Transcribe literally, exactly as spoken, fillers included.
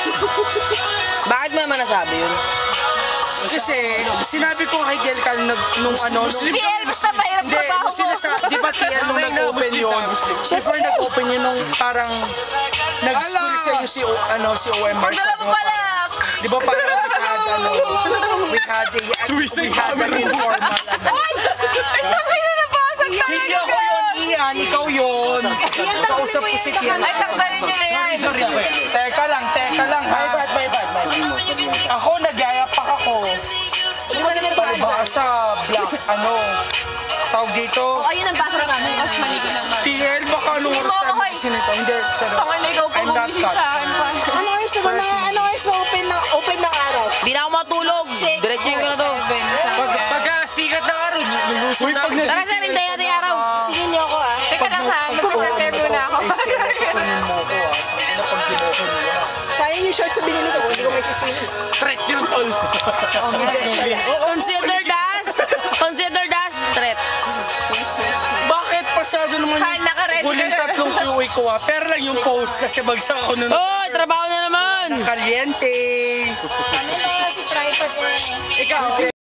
Bakit mo naman nasabi yun? Kasi sinabi ko kay G L nung, nung ano, nung, G L, basta mahirap hindi, trabaho nung sila sa, di ba T L nung nag-open yun? Before nag-open yun nung parang nag-school sa inyo si, O- ano, si O M R. Pagdala mo pala! Di ba parang we had, ano, we had a, we had an informal, ano. Ay! Ay, takay na nabasag talaga! Hindi ako yun, Ian, ikaw yun. Kausap ko si Kian. Ay, takdarin niyo na yan! Sorry, teka lang, teka lang ha. Bye, bye, bye. Ako, nagyayapak ako. Ba sa black, ano, tawag dito. Ayun ang basa namin, mas maligo naman. T L, baka anong oras tayo mag-isin ito? Hindi, sorry. Pangan na ikaw po I'm not gumising sa akin pa. Ano oras na ba na, ano oras na open na, open ng araw? Di na ako matulog. Diretsuhin ko na to. Pag, pagka sikat ng araw, luluso na. Tara sir, hintayin natin yung araw. Sige niyo ako ah. Teka lang ha, mag-prepare muna ako. Kunin mo ko ah. Ano pag kinoko niya? Sayang yung shorts na binili ko, hindi ko may siswing. Threat yun, tol. Consider das. Consider das. Threat. Bakit pasado naman Ha, naka-ready huling ka na. tatlong Q A ko ah. Pero lang yung post kasi bagsak ako nun. Oh, trabaho na naman. Kaliente. Ano na si tripod na yan? Ikaw.